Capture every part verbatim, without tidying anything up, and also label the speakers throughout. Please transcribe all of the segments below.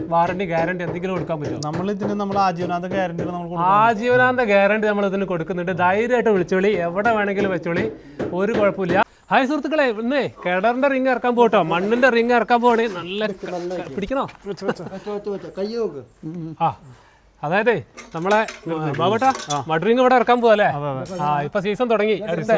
Speaker 1: Warranty guarantee എന്തെങ്കിലും കൊടുക്കാൻ പറ്റുമോ?
Speaker 2: നമ്മൾ ഇതിന് നമ്മൾ ആജീവനാന്ത ഗ്യാരണ്ടി
Speaker 1: ആജീവനാന്ത ഗ്യാരണ്ടി നമ്മൾ ഇതിന് കൊടുക്കുന്നുണ്ട്. ധൈര്യമായിട്ട് വിളിച്ചോളി, എവിടെ വേണമെങ്കിലും വെച്ചോളി, ഒരു കുഴപ്പമില്ല. ഹായ് സുഹൃത്തുക്കളെ, ഇന്നേ കിണറിന്റെ റിങ് ഇറക്കാൻ പോട്ടോ, മണ്ണിന്റെ റിങ് ഇറക്കാൻ പോണേ. നല്ല പിടിക്കണോ? ആ അതായത് നമ്മളെ ബാബട്ടാ മഡ് ഇവിടെ ഇറക്കാൻ പോവല്ലേ? ആ ഇപ്പൊ സീസൺ തുടങ്ങി,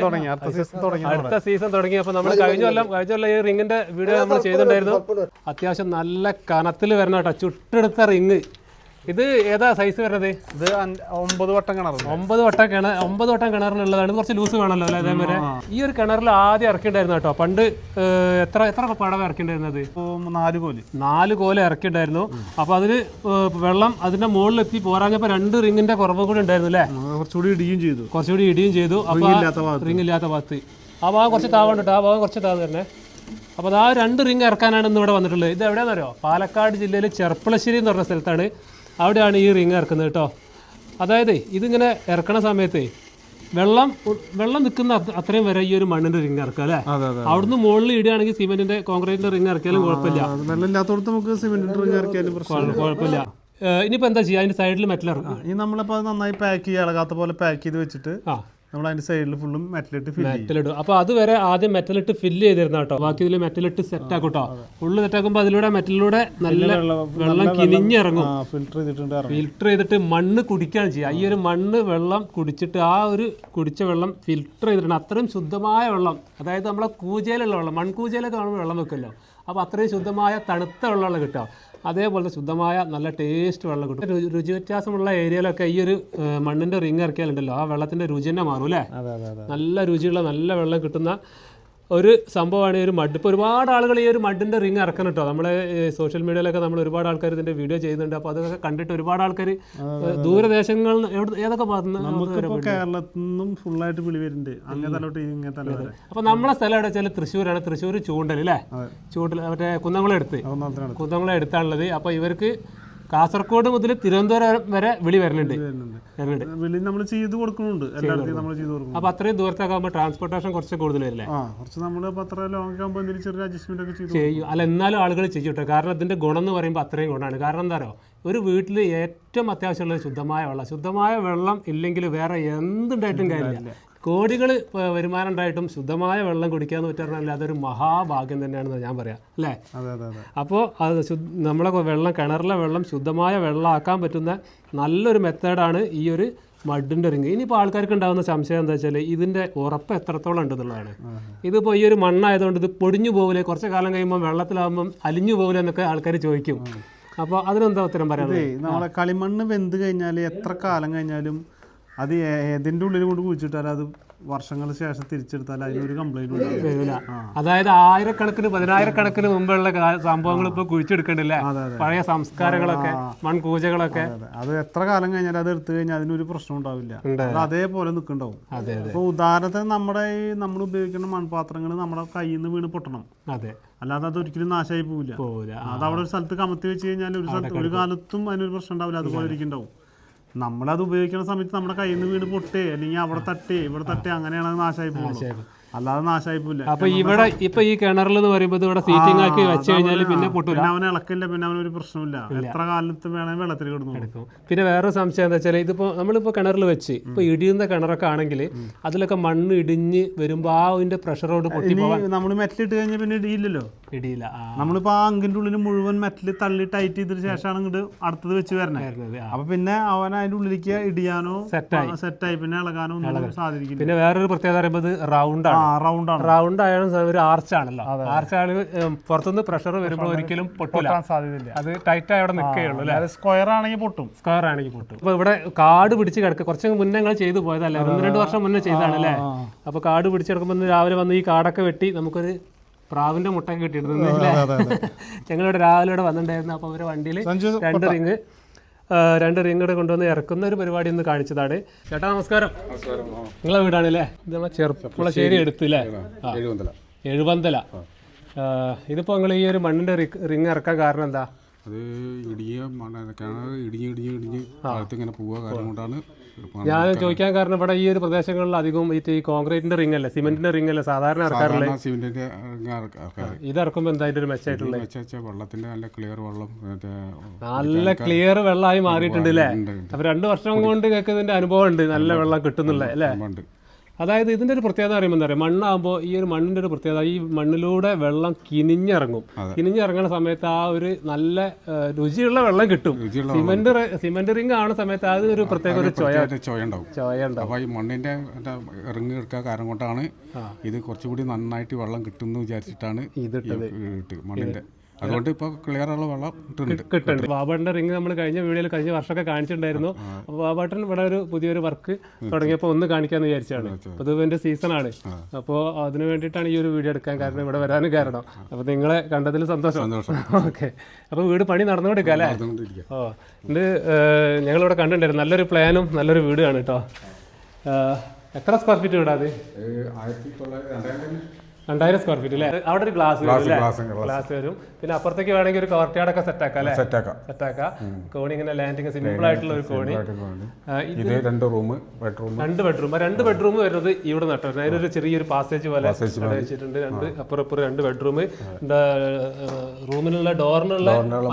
Speaker 1: അടുത്ത സീസൺ തുടങ്ങി. അപ്പൊ നമ്മൾ കഴിഞ്ഞ കൊല്ലം കഴിഞ്ഞ കൊല്ലം ഈ റിങ്ങിന്റെ വീഡിയോ നമ്മൾ ചെയ്തിട്ടുണ്ടായിരുന്നു. അത്യാവശ്യം നല്ല കനത്തിൽ വരണ കേട്ടോ, ചുട്ടെടുത്ത റിങ്. ഇത് ഏതാ സൈസ് വരുന്നത്?
Speaker 2: ഇത് ഒമ്പത് വട്ടം കിണർ.
Speaker 1: ഒമ്പത് വട്ടം കിണർ ഒമ്പത് വട്ടം കിണറിനുള്ളതാണ്. കുറച്ച് ലൂസ് വേണമല്ലോ അല്ലേ? അതേപോലെ ഈ ഒരു കിണറിൽ ആദ്യം ഇറക്കിണ്ടായിരുന്നു കേട്ടോ. പണ്ട് എത്ര എത്ര പടവ ഇറക്കിണ്ടായിരുന്നത്?
Speaker 2: നാല് കോല്
Speaker 1: നാല് കോല ഇറക്കിണ്ടായിരുന്നു. അപ്പൊ അതില് വെള്ളം അതിന്റെ മുകളിലെത്തി പോരാഞ്ഞപ്പോ രണ്ട് റിങ്ങിന്റെ കുറവ് കൂടി ഉണ്ടായിരുന്നു അല്ലേ?
Speaker 2: കുറച്ചുകൂടി ഇടിയും ചെയ്തു
Speaker 1: കുറച്ചുകൂടി ഇടിയും ചെയ്തു അപ്പൊ റിങ് ഇല്ലാത്ത ഭാഗത്ത് ആ ഭാഗം കുറച്ച് താവുണ്ട്, ആ ഭാഗം കുറച്ച് താവ് തന്നെ. അപ്പോൾ ആ രണ്ട് റിങ് ഇറക്കാനാണ് ഇന്ന് ഇവിടെ വന്നിട്ടുള്ളത്. ഇത് എവിടെയാണെന്നറിയോ? പാലക്കാട് ജില്ലയിൽ ചെർപ്പളശ്ശേരി എന്ന് പറഞ്ഞ സ്ഥലത്താണ്. അവിടെയാണ് ഈ റിങ് ഇറക്കുന്നത് കേട്ടോ. അതായത് ഇതിങ്ങനെ ഇറക്കണ സമയത്ത് വെള്ളം വെള്ളം നിൽക്കുന്ന അത്രയും വരെ ഈ ഒരു മണ്ണിന്റെ റിങ് ഇറക്കുക അല്ലേ? അവിടുന്ന് മുകളിൽ ഇടുകയാണെങ്കിൽ സിമെന്റിന്റെ കോൺക്രീറ്റിന്റെ റിങ് ഇറക്കിയാലും കുഴപ്പമില്ല.
Speaker 2: വെള്ളമില്ലാത്തടത്ത് നമുക്ക് സിമെന്റിന്റെ റിങ് ഇറക്കിയാലും
Speaker 1: കുഴപ്പമില്ല. ഇനിയിപ്പോൾ എന്താ ചെയ്യുക? അതിന്റെ സൈഡിൽ മെറ്റൽ ഇറക്കും.
Speaker 2: ഈ നമ്മളിപ്പോൾ നന്നായി പാക്ക് ചെയ്യുക, ഇളകാത്ത പോലെ പാക്ക് ചെയ്ത് വെച്ചിട്ട് നമ്മൾ അതിന്റെ സൈഡിൽ ഫുള്ളും മെറ്റലിട്ട്
Speaker 1: മെറ്റലിടും. അപ്പോൾ അതുവരെ ആദ്യം മെറ്റലിട്ട് ഫില്ല് ചെയ്തിരുന്ന കേട്ടോ. ബാക്കി ഇതിൽ മെറ്റലിട്ട് സെറ്റ് ആക്കും കേട്ടോ. ഫുള്ള് സെറ്റ് ആക്കുമ്പോൾ അതിലൂടെ മെറ്റലിലൂടെ നല്ല വെള്ളം കിനിഞ്ഞിറങ്ങും.
Speaker 2: ഫിൽറ്റർ ചെയ്തിട്ടുണ്ട്.
Speaker 1: ഫിൽറ്റർ ചെയ്തിട്ട് മണ്ണ് കുടിക്കുകയാണ് ചെയ്യുക. ഈ ഒരു മണ്ണ് വെള്ളം കുടിച്ചിട്ട് ആ ഒരു കുടിച്ച വെള്ളം ഫിൽറ്റർ ചെയ്തിട്ടുണ്ട്. അത്രയും ശുദ്ധമായ വെള്ളം, അതായത് നമ്മളെ കൂജയിലുള്ള വെള്ളം, മൺകൂജയിലൊക്കെ കാണുമ്പോൾ വെള്ളം വെക്കുമല്ലോ, അപ്പോൾ അത്രയും ശുദ്ധമായ തണുത്ത വെള്ളമാണ് കിട്ടുക. അതേപോലത്തെ ശുദ്ധമായ നല്ല ടേസ്റ്റ് വെള്ളം കിട്ടും. രുചി വ്യത്യാസമുള്ള ഏരിയയിലൊക്കെ ഈ ഒരു മണ്ണിന്റെ റിങ് ഇറക്കിയാലുണ്ടല്ലോ, ആ വെള്ളത്തിന്റെ രുചി തന്നെ മാറും അല്ലേ? നല്ല രുചിയുള്ള നല്ല വെള്ളം കിട്ടുന്ന ഒരു സംഭവമാണ് ഈ ഒരു മഡ്. ഇപ്പോൾ ഒരുപാട് ആളുകൾ ഈ ഒരു മഡിന്റെ റിങ് ഇറക്കണം കേട്ടോ. നമ്മളെ സോഷ്യൽ മീഡിയയിലൊക്കെ നമ്മൾ ഒരുപാട് ആൾക്കാർ ഇതിന്റെ വീഡിയോ ചെയ്യുന്നുണ്ട്. അപ്പോൾ അതൊക്കെ കണ്ടിട്ട് ഒരുപാട് ആൾക്കാർ ദൂരദേശങ്ങളിൽ ഏതൊക്കെ
Speaker 2: ഭാഗത്തുനിന്ന് കേരളത്തിൽ നിന്നും ഫുള്ളായിട്ട് വിളി വരുന്നുണ്ട്. അങ്ങനെ
Speaker 1: അപ്പോൾ നമ്മളെ സ്ഥലം എവിടെ വെച്ചാൽ തൃശ്ശൂരാണ്. തൃശ്ശൂർ ചൂണ്ടൽ അല്ലേ? ചൂണ്ടൽ മറ്റേ കുന്നംകുളം എടുത്ത് കുന്നംകുളം എടുത്താണുള്ളത്. അപ്പോൾ ഇവർക്ക് കാസർഗോഡ് മുതൽ തിരുവനന്തപുരം വരെ വിളി വരുന്നുണ്ട്. അപ്പൊ അത്രയും ദൂരത്തൊക്കെ ആകുമ്പോൾ ട്രാൻസ്പോർട്ടേഷൻ കുറച്ച് കൂടുതൽ വരില്ലേ? ചെയ്യും. അല്ല എന്നാലും ആളുകൾ ചെയ്യൂട്ടോ. കാരണം ഇതിന്റെ ഗുണം എന്ന് പറയുമ്പോൾ അത്രയും ഗുണമാണ്. കാരണം എന്താ പറയുക, ഒരു വീട്ടിൽ ഏറ്റവും അത്യാവശ്യമുള്ളത് ശുദ്ധമായ വെള്ളം. ശുദ്ധമായ വെള്ളം ഇല്ലെങ്കിൽ വേറെ എന്തുണ്ടായിട്ടും കാര്യമില്ല. കോടികൾ വരുമാനം ഉണ്ടായിട്ടും ശുദ്ധമായ വെള്ളം കുടിക്കാന്ന് പറ്റാറില്ല, അതൊരു മഹാഭാഗ്യം തന്നെയാണെന്ന് ഞാൻ പറയാം അല്ലേ? അപ്പോൾ അത് നമ്മളെ വെള്ളം കിണറിലെ വെള്ളം ശുദ്ധമായ വെള്ളമാക്കാൻ പറ്റുന്ന നല്ലൊരു മെത്തേഡാണ് ഈ ഒരു മഡിൻ്റെ റിങ്. ഇനിയിപ്പോൾ ആൾക്കാർക്ക് ഉണ്ടാകുന്ന സംശയം എന്താ വെച്ചാൽ ഇതിൻ്റെ ഉറപ്പ് എത്രത്തോളം ഉണ്ടെന്നുള്ളതാണ്. ഇതിപ്പോൾ ഈ ഒരു മണ്ണായതുകൊണ്ട് ഇത് പൊടിഞ്ഞു പോകില്ലേ, കുറച്ച് കാലം കഴിയുമ്പോൾ വെള്ളത്തിലാകുമ്പം അലിഞ്ഞു പോകില്ല എന്നൊക്കെ ആൾക്കാർ ചോദിക്കും. അപ്പോൾ അതിനെന്താ ഉത്തരം പറയാം?
Speaker 2: നമ്മളെ കളിമണ്ണ് വെന്ത് കഴിഞ്ഞാൽ എത്ര കാലം കഴിഞ്ഞാലും അത് ഏതിൻ്റെ ഉള്ളിൽ കൊണ്ട് കുഴിച്ചിട്ടാൽ അത് വർഷങ്ങൾക്ക് ശേഷം തിരിച്ചെടുത്താൽ അതിനൊരു കംപ്ലൈന്റ്
Speaker 1: വരില്ല. അതായത് ആയിരക്കണക്കിന് പതിനായിരക്കണക്കിന് മുമ്പുള്ള സംഭവങ്ങൾ ഇപ്പോൾ കുഴിച്ചെടുക്കണ്ടില്ലേ? പഴയ സംസ്കാരങ്ങളൊക്കെ മൺകൂജകളൊക്കെ
Speaker 2: അത് എത്ര കാലം കഴിഞ്ഞാൽ അത് എടുത്തു കഴിഞ്ഞാൽ അതിനൊരു പ്രശ്നം ഉണ്ടാവില്ല. അത് അതേപോലെ നിൽക്കുന്നുണ്ടാവും. അപ്പൊ ഉദാഹരണത്തിന് നമ്മുടെ ഈ നമ്മൾ ഉപയോഗിക്കുന്ന മൺപാത്രങ്ങൾ നമ്മുടെ കയ്യിൽ നിന്ന് വീണ് പൊട്ടണം.
Speaker 1: അതെ,
Speaker 2: അല്ലാതെ അത് ഒരിക്കലും നാശമായി പോവില്ല. അത് അവിടെ ഒരു സ്ഥലത്ത് കമത്തി വെച്ച് കഴിഞ്ഞാൽ ഒരു സ്ഥലത്ത് ഒരു കാലത്തും അതിനൊരു പ്രശ്നം ഉണ്ടാവില്ല. അതുപോലെ ഇരിക്കുന്നുണ്ടാവും. നമ്മളത് ഉപയോഗിക്കുന്ന സമയത്ത് നമ്മുടെ കയ്യിൽ നിന്ന് വീട് പൊട്ടേ അല്ലെങ്കിൽ അവിടെ തട്ടേ ഇവിടെ തട്ടേ അങ്ങനെയാണ് അത് നാശമായി പോകുന്നത്. അല്ലാതെ നാശമായി പോവില്ല.
Speaker 1: അപ്പൊ ഇവിടെ ഇപ്പൊ ഈ കിണറിൽ എന്ന് പറയുമ്പോൾ ഇവിടെ സീറ്റിംഗ് ആക്കി വെച്ച് കഴിഞ്ഞാൽ പിന്നെ പൊട്ടില്ല.
Speaker 2: പിന്നെ അവൻ ഇളക്കില്ല, പിന്നെ അവനൊരു പ്രശ്നമില്ല. എത്ര കാലത്ത് വേണമെങ്കിൽ വെള്ളത്തിൽ കിടന്നു.
Speaker 1: പിന്നെ വേറെ സംശയം എന്താ വെച്ചാൽ ഇതിപ്പോ നമ്മളിപ്പോ കിണറിൽ വെച്ച് ഇപ്പൊ ഇടിയുന്ന കിണറൊക്കെ ആണെങ്കിൽ അതിലൊക്കെ മണ്ണ് ഇടിഞ്ഞ് വരുമ്പോ ആ അതിന്റെ പ്രഷറോട് പൊട്ടി
Speaker 2: നമ്മൾ മെറ്റലിട്ട് കഴിഞ്ഞാൽ പിന്നെ ഇടിയില്ലല്ലോ.
Speaker 1: ഇടിയില്ല.
Speaker 2: നമ്മളിപ്പോ ആ അങ്കിന്റെ ഉള്ളിൽ മുഴുവൻ മെറ്റൽ തള്ളി ടൈറ്റ് ചെയ്തതിന് ശേഷമാണ് ഇങ്ങോട്ട് അടുത്തത് വെച്ച് വരണത്. അപ്പൊ പിന്നെ അവൻ അതിന്റെ ഉള്ളിലേക്ക് ഇടിയാനോ സെറ്റായി സെറ്റായി പിന്നെ ഇളകാനോ ഒന്നും സാധിക്കില്ല.
Speaker 1: പിന്നെ വേറൊരു പ്രത്യേകത പറയുമ്പോൾ റൗണ്ട് ആണ്. റൗണ്ട് ആയാലും ഒരു ആർച്ചാണല്ലോ. ആർച്ചാണ് പുറത്തുനിന്ന് പ്രഷർ വരുമ്പോൾ ഒരിക്കലും പൊട്ടാൻ സാധ്യതയില്ല. അത് ടൈറ്റ് ആയി അവിടെ നിൽക്കുകയുള്ളൂ അല്ലേ?
Speaker 2: സ്ക്വയർ ആണെങ്കിൽ പൊട്ടും.
Speaker 1: സ്ക്വയർ ആണെങ്കിൽ പൊട്ടും. അപ്പൊ ഇവിടെ കാട് പിടിച്ച് കിടക്കുക. കുറച്ച് മുന്നേ ഞങ്ങൾ ചെയ്തു പോയതല്ലേ, ഒന്ന് രണ്ട് വർഷം മുന്നേ ചെയ്താണ് അല്ലേ? അപ്പൊ കാട് പിടിച്ച് കിടക്കുമ്പോൾ രാവിലെ വന്ന് ഈ കാടൊക്കെ വെട്ടി നമുക്കൊരു പ്രാവിന്റെ മുട്ടൊക്കെ കിട്ടിയിരുന്നു. ഞങ്ങളിവിടെ രാവിലെ ഇവിടെ വന്നിട്ടുണ്ടായിരുന്നു. അപ്പൊ അവരുടെ വണ്ടിയിൽ രണ്ട് റിങ് രണ്ട് റിങ് കൂടെ കൊണ്ടുവന്ന് ഇറക്കുന്ന ഒരു പരിപാടി ഒന്ന് കാണിച്ചതാണ്. ചേട്ടാ നമസ്കാരം. നിങ്ങളെ വീടാണല്ലേ? ഇത് നമ്മളെ ചെറുപ്പുളശ്ശേരി എടുത്തില്ലേ? എഴുപന്തല. ഇതിപ്പോ നിങ്ങൾ ഈ ഒരു മണ്ണിന്റെ റിങ് ഇറക്കാൻ കാരണം എന്താ?
Speaker 3: അത് ഇടിയ കിണർ ഇടിഞ്ഞ് ഇടിഞ്ഞ് ഇടിഞ്ഞ് അകത്ത് ഇങ്ങനെ പോവുക കാരണം കൊണ്ടാണ്.
Speaker 1: ഞാൻ ചോദിക്കാൻ കാരണം ഇവിടെ ഈ ഒരു പ്രദേശങ്ങളിൽ അധികം ഈ കോൺക്രീറ്റിന്റെ റിംഗ് അല്ലേ, സിമെന്റിന്റെ റിംഗ് അല്ലേ സാധാരണ ഇറക്കാറില്ല.
Speaker 3: സിമെന്റിന്റെ
Speaker 1: ഇത് ഇറക്കുമ്പോൾ എന്തായാലും ഒരു മെച്ചമായിട്ടുള്ള
Speaker 3: വെച്ചാൽ വെള്ളത്തിന്റെ നല്ല ക്ലിയർ വെള്ളം,
Speaker 1: നല്ല ക്ലിയർ വെള്ളമായി മാറിയിട്ടുണ്ട് അല്ലേ. അപ്പൊ രണ്ടു വർഷം കൊണ്ട് കേൾക്കുന്നതിന്റെ അനുഭവം ഉണ്ട്, നല്ല വെള്ളം കിട്ടുന്നില്ല അല്ലേ. അതായത് ഇതിൻ്റെ ഒരു പ്രത്യേകത പറയുമ്പോൾ എന്താ പറയുക, മണ്ണാകുമ്പോൾ ഈ ഒരു മണ്ണിൻ്റെ ഒരു പ്രത്യേകത, ഈ മണ്ണിലൂടെ വെള്ളം കിനിഞ്ഞിറങ്ങും. കിനിഞ്ഞിറങ്ങുന്ന സമയത്ത് ആ ഒരു നല്ല രുചിയുള്ള വെള്ളം കിട്ടും. സിമെന്റ് സിമെന്റ് റിംഗ് ആവുന്ന സമയത്ത് അത് ഒരു പ്രത്യേക ഒരു ചോയ
Speaker 3: ചോയ ഉണ്ടാവും
Speaker 1: ചോയ ഉണ്ടാവും.
Speaker 3: അപ്പോൾ ഈ മണ്ണിൻ്റെ ഇറങ്ങി എടുക്കുക കാരണം കൊണ്ടാണ് ഇത് കുറച്ചുകൂടി നന്നായിട്ട് വെള്ളം കിട്ടുമെന്ന് വിചാരിച്ചിട്ടാണ് ഇതിട്ടത് മണ്ണിൻ്റെ. അതുകൊണ്ട് ഇപ്പോൾ ക്ലിയർ ഉള്ള വെള്ളം
Speaker 1: കിട്ടുന്നുണ്ട്. ബാബാട്ടൻ്റെ റിംഗ് നമ്മൾ കഴിഞ്ഞ വീഡിയോയിൽ കഴിഞ്ഞ വർഷമൊക്കെ കാണിച്ചിട്ടുണ്ടായിരുന്നു. അപ്പോൾ ബാബാട്ടൻ ഇവിടെ ഒരു പുതിയൊരു വർക്ക് തുടങ്ങിയപ്പോൾ ഒന്ന് കാണിക്കാമെന്ന് വിചാരിച്ചാണ്. അപ്പോൾ ഇത് ഇതിൻ്റെ സീസണാണ്. അപ്പോൾ അതിന് വേണ്ടിയിട്ടാണ് ഈ ഒരു വീഡിയോ എടുക്കാൻ കാരണം, ഇവിടെ വരാനും കാരണം. അപ്പോൾ നിങ്ങളെ കണ്ടതിൽ സന്തോഷം.
Speaker 3: സന്തോഷം.
Speaker 1: ഓക്കെ, അപ്പോൾ വീട് പണി നടന്നുകൊണ്ടിരിക്കുക അല്ലേ. ഓ, ഇത് ഞങ്ങളിവിടെ കണ്ടിട്ടുണ്ടായിരുന്നു. നല്ലൊരു പ്ലാനും നല്ലൊരു വീടാണ് കേട്ടോ. എത്ര സ്ക്വയർ ഫീറ്റ് വീടാത്?
Speaker 3: ആയിരത്തി തൊള്ളായിരത്തി
Speaker 1: രണ്ടായിരം സ്ക്വയർ ഫീറ്റ് അല്ലേ. അവിടെ ഒരു ഗ്ലാസ് ഗ്ലാസ് വരും. പിന്നെ അപ്പുറത്തേക്ക് വേണമെങ്കിൽ ഒരു കവർട്ടിയാടൊക്കെ സെറ്റ് ആക്കാം അല്ലേ. സെറ്റാക്കാം. കോണി ഇങ്ങനെ ലാൻഡിങ് സിമ്പിൾ ആയിട്ടുള്ള ഒരു കോണി.
Speaker 3: ഇത് രണ്ട് റൂം ബെഡ്റൂം
Speaker 1: രണ്ട് ബെഡ്റൂം രണ്ട് ബെഡ്റൂം വരുന്നത് ഇവിടെ നട്ടോ. അതിനൊരു ചെറിയൊരു പാസേജ് പോലെ വെച്ചിട്ടുണ്ട്. രണ്ട് അപ്പുറം ഇപ്പുറം രണ്ട് ബെഡ്റൂം. റൂമിലുള്ള ഡോറിനുള്ള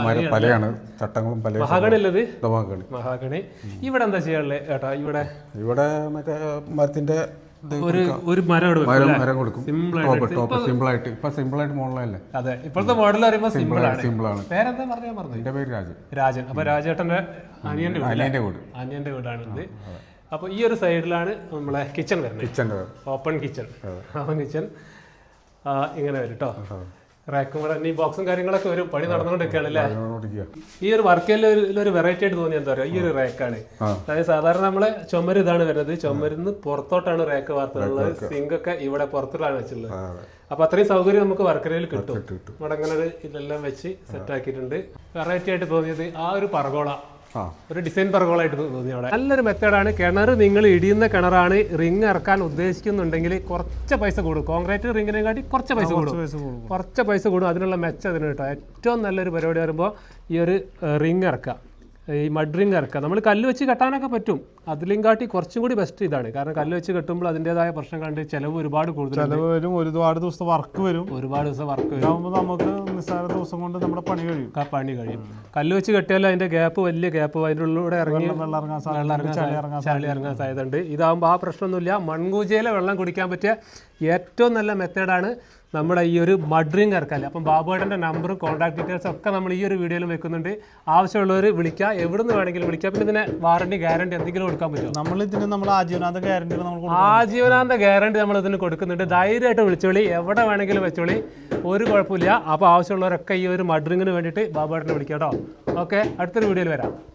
Speaker 1: മഹാഗണി ഉള്ളത് മഹാഗണി. ഇവിടെ എന്താ ചെയ്യാനുള്ളത് ചേട്ടാ? ഇവിടെ
Speaker 3: ഇവിടെ മറ്റേ മരത്തിന്റെ
Speaker 1: ഒരു ഒരു മരം
Speaker 3: മരം കൊടുക്കും. സിമ്പിളായിട്ട് ഇപ്പൊ സിമ്പിളായിട്ട് മോഡലല്ലേ.
Speaker 1: അതെ, ഇപ്പോഴത്തെ മോഡൽ പറയുമ്പോൾ സിമ്പിൾ ആണ്.
Speaker 3: സിമ്പിളാണ്.
Speaker 1: പേരെന്താ പറഞ്ഞാൽ പറഞ്ഞു?
Speaker 3: എന്റെ പേര് രാജൻ.
Speaker 1: രാജൻ. അപ്പൊ രാജേട്ടന്റെ അനിയന്റെ
Speaker 3: അനിയന്റെ വീട്
Speaker 1: അനിയന്റെ വീടാണ് ഇത്. അപ്പൊ ഈ ഒരു സൈഡിലാണ് നമ്മളെ കിച്ചൺ വരുന്നത്.
Speaker 3: Kitchen
Speaker 1: open kitchen. Open kitchen ഇങ്ങനെ വരും കേട്ടോ. റാക്കും കൂടെ ഈ ബോക്സും കാര്യങ്ങളൊക്കെ വരും. പണി നടന്നുകൊണ്ടിരിക്കുകയാണ് അല്ലേ. ഈ ഒരു വർക്കിൽ ഒരു വെറൈറ്റി ആയിട്ട് തോന്നിയ എന്താ പറയുക, ഈ ഒരു റാക്കാണ്. അതായത് സാധാരണ നമ്മളെ ചുമര് ഇതാണ് വരുന്നത്. ചുമരിന്ന് പുറത്തോട്ടാണ് റാക്ക് വാർത്തകളുള്ളത്. സിങ്ക് ഒക്കെ ഇവിടെ പുറത്തുള്ളതാണ് വെച്ചുള്ളത്. അപ്പൊ അത്രയും സൗകര്യം നമുക്ക് വർക്കരയിൽ കിട്ടും. ഇവിടെ അങ്ങനെ ഒരു ഇതെല്ലാം വെച്ച് സെറ്റ് ആക്കിയിട്ടുണ്ട്. വെറൈറ്റി ആയിട്ട് തോന്നിയത് ആ ഒരു പർഗോള, ഒരു ഡിസൈൻ പർഗോളായിട്ട് തോന്നി. അവിടെ നല്ലൊരു മെത്തേഡാണ്. കിണർ നിങ്ങൾ ഇടിയുന്ന കിണറാണ്, റിങ് ഇറക്കാൻ ഉദ്ദേശിക്കുന്നുണ്ടെങ്കിൽ കുറച്ച് പൈസ കൂടും. കോൺക്രീറ്റ് റിങ്ങിനെ കാട്ടി കുറച്ച് പൈസ കൂടും. കുറച്ച് പൈസ കൂടും. അതിനുള്ള മെച്ചം അതിന് കേട്ടോ. ഏറ്റവും നല്ലൊരു പരിപാടി വരുമ്പോൾ ഈ ഒരു റിങ് ഇറക്കുക, ഈ മഡ് റിങ് ഇറക്കുക. നമ്മൾ കല്ല് വെച്ച് കെട്ടാനൊക്കെ പറ്റും. അതിലും കാട്ടി കുറച്ചും കൂടി ബെസ്റ്റ് ഇതാണ്. കാരണം കല്ല് വെച്ച് കെട്ടുമ്പോൾ അതിൻ്റെതായ പ്രശ്നം കണ്ട് ചിലവ് ഒരുപാട് കൂടുതൽ
Speaker 2: വരും. ഒരുപാട് ദിവസത്തെ വർക്ക് വരും.
Speaker 1: ഒരുപാട് ദിവസം വർക്ക് വരും.
Speaker 2: നമുക്ക് നിസ്സാര ദിവസം കൊണ്ട് നമ്മുടെ പണി കഴിയും.
Speaker 1: പണി കഴിയും. കല്ല് വെച്ച് കെട്ടിയാൽ അതിന്റെ ഗ്യാപ്പ് വലിയ ഗ്യാപ്പ്, അതിൻ്റെ ഉള്ളിലൂടെ ഇറങ്ങി
Speaker 2: വെള്ളം ഇറങ്ങാൻ
Speaker 1: ചളി ഇറങ്ങാൻ സാധ്യതയുണ്ട്. ഇതാകുമ്പോൾ ആ പ്രശ്നമൊന്നുമില്ല. മൺകൂജയിലെ വെള്ളം കുടിക്കാൻ പറ്റിയ ഏറ്റവും നല്ല മെത്തേഡാണ് നമ്മുടെ ഈ ഒരു മഡ് റിങ് ഇറക്കല്. അപ്പം ബാബുവേട്ടൻ്റെ നമ്പറും കോൺടാക്ട് ഡീറ്റെയിൽസും ഒക്കെ നമ്മൾ ഈ ഒരു വീഡിയോയിൽ വെക്കുന്നുണ്ട്. ആവശ്യമുള്ളവർ വിളിക്കുക, എവിടെ നിന്ന് വേണമെങ്കിലും വിളിക്കുക. പിന്നെ ഇതിന് വാറണ്ടി ഗ്യാരണ്ടി എന്തെങ്കിലും കൊടുക്കാൻ പറ്റും?
Speaker 2: നമ്മൾ ഇതിന് നമ്മൾ ആജീവനാന്ത ഗ്യാരണ്ടി
Speaker 1: ആജീവനാന്ത ഗ്യാരണ്ടി നമ്മൾ ഇതിന് കൊടുക്കുന്നുണ്ട്. ധൈര്യമായിട്ട് വിളിച്ചോളി, എവിടെ വേണമെങ്കിലും വെച്ചോളി, ഒരു കുഴപ്പമില്ല. അപ്പോൾ ആവശ്യമുള്ളവരൊക്കെ ഈ ഒരു മഡ് റിങ്ങിന് വേണ്ടിയിട്ട് ബാബുവേട്ടനെ വിളിക്കാം കേട്ടോ. ഓക്കെ, അടുത്തൊരു വീഡിയോയിൽ വരാം.